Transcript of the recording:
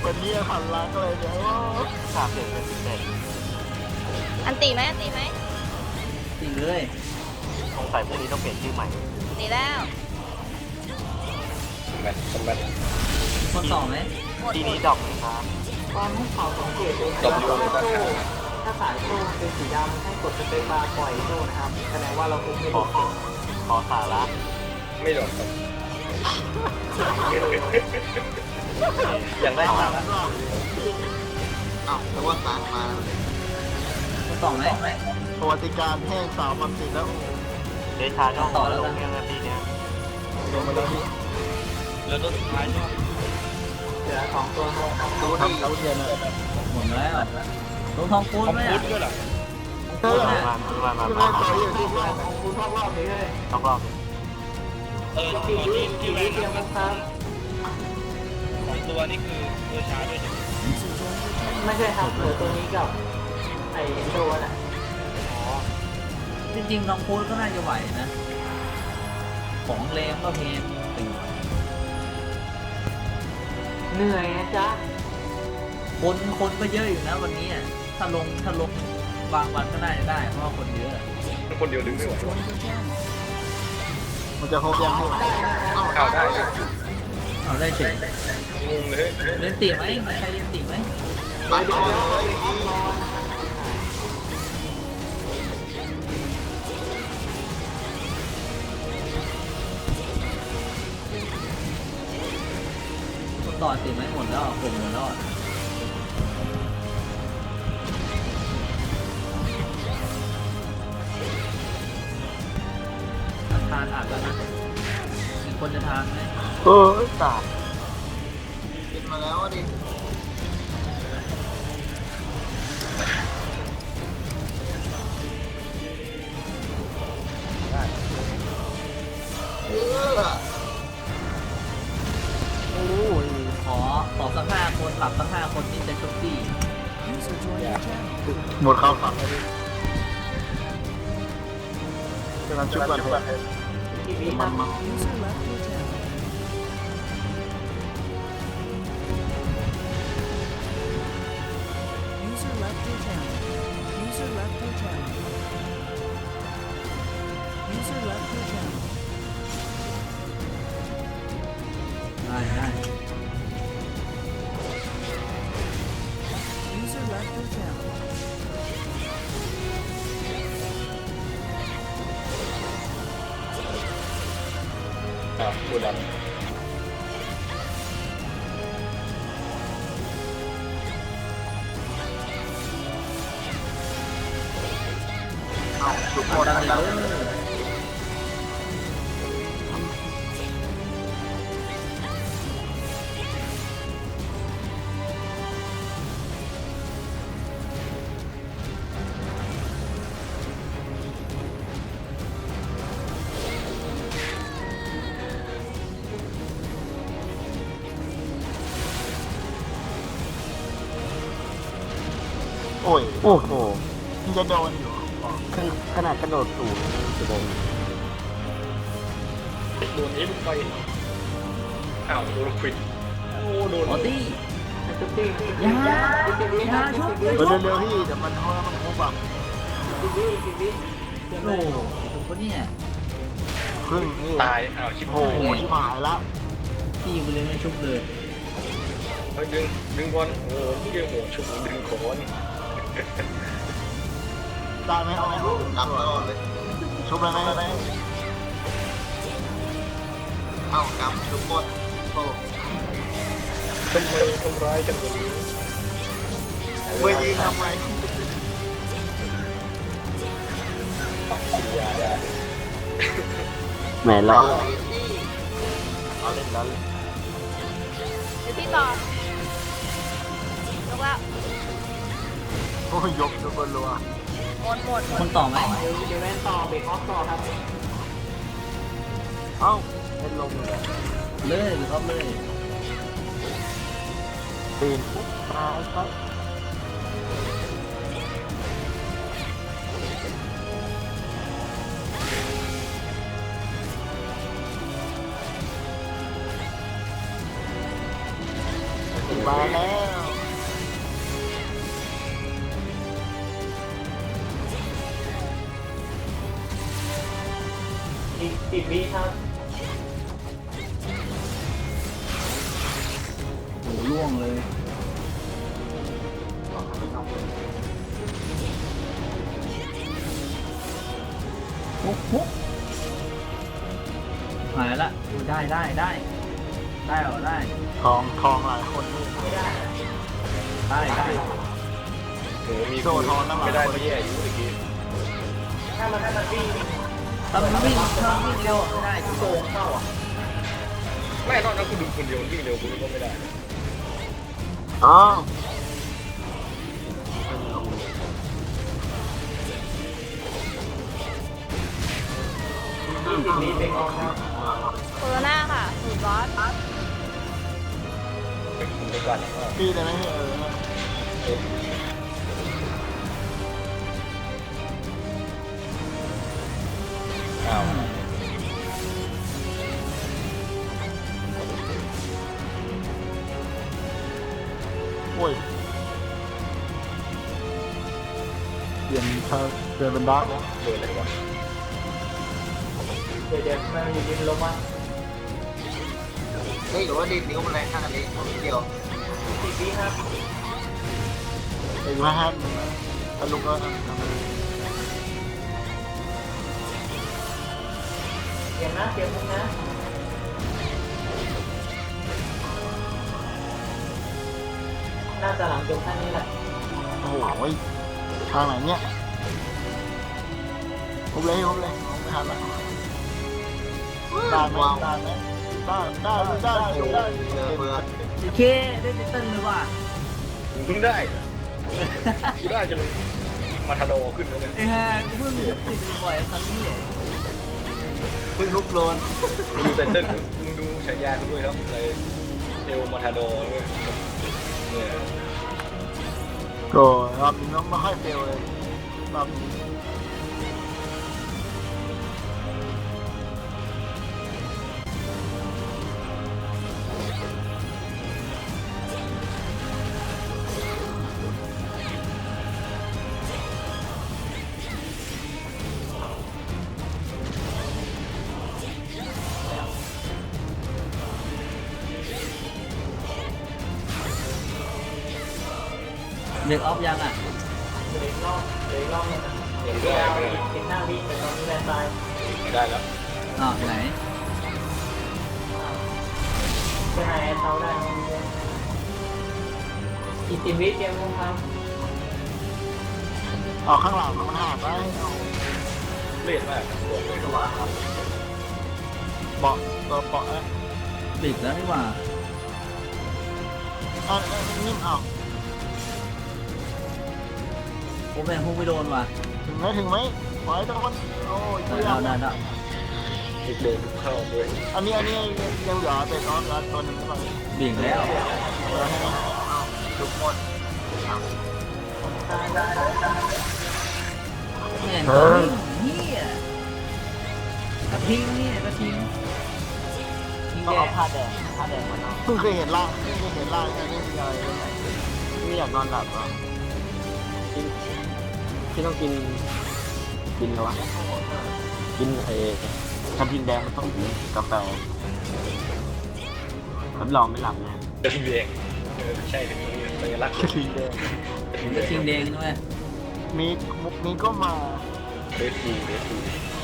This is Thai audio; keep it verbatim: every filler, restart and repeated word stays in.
วันนี้หันหลังเลยเดี๋ยวสามเด็กเป็นเด็กอันตีไหมอันตีไหมตีเลยสงสัยพวกนี้ต้องเปลี่ยนชื่อใหม่ตีแล้วแมทคอมแมทคนต่อไหมหมดทีหมนี้ดดอกไหมครับความให้เขาสังเกตดูตบอยู่ว่าก็โซ่ขาถ้าสายโซ่เป็นสีดำให้กดสเปคบาร์ปล่อยโซ่นะครับแสดงว่าเราคุมไม่ขอถูกขอสาระไม่โดนครับยังได้มาแล้วอ้าวแต่ว่าสารมาคนต่อไหมประวัติการแห้งสาวมันติดแล้วเดชาช่องต่อแล้วลงยังนาทีเนี้ยลงมาแล้วพี่แล้วตัวสุดท้ายใช่ไหมเหลือสองตัวครับรู้ทำรู้เย็นเลยหมดแล้วลงทองคูณคอมไหมพุอ่ะทด้วยเหรอเออมามามามาต่ออยู่ที่ของของคุณพ่อรอบนี้เลยต้องรอบเออกี่ตัววิที่กี่ที่วิแวนเตรียมนะครับสองตัวนี่คือตัวชาด้วยใช่ไหมไม่ใช่ครับเหลือตัวนี้กับไอ้โดนอ่ะอ๋อจริงๆทองคูณก็น่าจะไหวนะ ของแรงก็เพนเหนื่อยนะจ๊ะคนคนก็เยอะอยู่นะวันนี้อ่ะถ้าลงถ้าลงบางวันก็น่าจะได้เพราะว่าคนเยอะคนเดียวดึงไม่ไหวมันจะครบยังให้ไหวข่าวได้เลยเอาได้เฉยงงเลยเล่นตีไหมมีใครเล่นตีไหมเดี๋ยวเดี๋ยวเดี๋ยวรอคนต่อตีไหมหมดแล้วผมหมดแล้วทานอัดแล้วนะมีคนจะทานไหมเออสาดกินมาแล้วดิโอ้ยขอขอสักห้าคนหลับสักห้าคนที่จะชุบตี้หมดข้าวฝังเลยดิกำลังชุบกันเลยกี่วิครับ User left your channel. User left your channel. User left your channel. ได้ได้ User left your channel. อ่าตัวดำชุบหมเอาดดังแล้วเลยโอ้ย โอ้โหมันจะโดนอยู่ขนาดกระโดดสูงจะโดนโดนเอ็มไปอ้าวโดนควิดโอ้โดนออตี้ชุบตี้ยากี่วิคยารับชุบกี่เอวิอเร็วๆพี่เดี๋ยวมันเพราะว่ามันครบแบบกี่วิกี่วิเตรียมเลโอ้ยโหถูกปะเนี่ยครึ่งนี่ตายอ้าวชิบโอ้หายโหชิบหายละตีไปเลยไม่ชุบเลยเฮ้ยดึงดึงบอลโอ้โหพี่เดียวโหชุบดึงโคนได้ไหมเอาไหมรับตลอดเลยชุบเลยไหมไหมเอากำชุบหมดโอ้ทำไมทำร้ายกันแบบนี้เมื่อยิงทำไมอย่าอย่าแหมรอเอาเล่นแล้วเดี๋ยวพี่ต่อลงแล้วโอ้ยยกทุกคนรัวหมดหมดหมคดนต่อไหมเดี๋ยวเดี๋ยวแวนต่อเบรกออฟต่อครับเอ้าเป็นลมเลยเลยหรือเขาเลยปีนปุ๊บตายครับเมาแล้วอีกสิบวิครับโหล่วงเลยโอ้โหหายละอุ๊ยได้ได้ได้ได้เหรอได้ทองทองหลายคนนี่ไม่ได้นะได้ได้โอ้มีไม่ได้ไม่แย่อยู่เมื่อกี้ถ้ามันถ้ามันวิ่งถ้ามันวิ่งถ้ามันวิ่งเร็วไม่ได้โกงเข้าอ่ะไม่นอกนั้นคุณดูคนเดียววิ่งเร็วคุณก็ไม่ได้อ๋อยี่สิบวิเป็นออกครับโคโรนาค่ะสูตรบอสคุณไปก่อนว่าพี่ได้ไหมเอออ้าวโอ้ยเปลี่ยนทางเปลี่ยนเป็นดาร์กแล้วเดินเลยวะเดี๋ยวเดี๋ยวมันมีดินลงมาเฮ้ยหรือว่าดินนิ้วมันแรงขนาดนี้เดียวสิบวิครับไอ้ว่าห้ามถ้าลุกก็เตรียมนะเตรียมมุกนะน่าจะหลังจบท่านนี้แหละโอ้โหทางไหนเนี่ยผมเลยผมเลยผมไม่ทันละได้ไหมได้ไหมได้ได้ได้ได้เบื่อโอเคได้เต้นเลยว่ะคุณเพิ่งได้คุณได้จนมาทาโดขึ้นแล้วเนี่ยไอ้ห่ากูเพิ่งติดบ่อยครั้งนี้เพิ่งลุกโลนมึงดูเซนเตอร์มึงดูฉายาคุณด้วยครับอะไรเอลมาทาโดด้วยเนี่ยก็รอบนี้ไม่ค่อยเฟลเลยรอบนี้เด็กออฟยังอ่ะเดี๋ยวอีกรอบเดี๋ยวอีกรอบนึงนะยังเดี๋ยวได้เอาไม่อีกสิบห้าวิแต่ตอนนี้แรงตายได้แล้วอ๋อไหนเป็นไงเท้าได้อีกสิบวิเตรียมมุกครับออกข้างหลังมันหาไปเลียดมากตัวเลยตัวครับเบาะตัวเบาะอ่ะปิดแล้วนี่หว่าอ่ะนิ่มเอาผมแม่งพุ่งไม่โดนว่ะถึงไหมถึงไหมปล่อยตะคนโอ้ยได้เยี่ยได้มได้อีกเดินเข้าด้วยอันนี้อันนี้ยังเหลือเป็นออฟแล้วตัวหนึ่งใช่ไหมบิ่งแล้วเหลือให้ทุกคนเนี่ยเนี่ยกระทิงเนี่ยกระทิงทิงต้องแดเอางผ้าแดงผ้าแดงมาเนาะเพิ่งเคยเห็นล่างเพิ่งเคยเห็นล่างแค่นี้มีอะไรเลยไม่อยากนอนหลับอ่ะกินพี่ต้องกินกินอะไรวะกินไอ้ถ้ากินแดงมันต้องกินกาแฟรับรองไม่หลับแน่กระทิงแดงเออใช่เป็นสัญลักษณ์กระทิงแดงกระทิงแดงด้วยมีมุกนี้ก็มาเรดบูเรดบูเ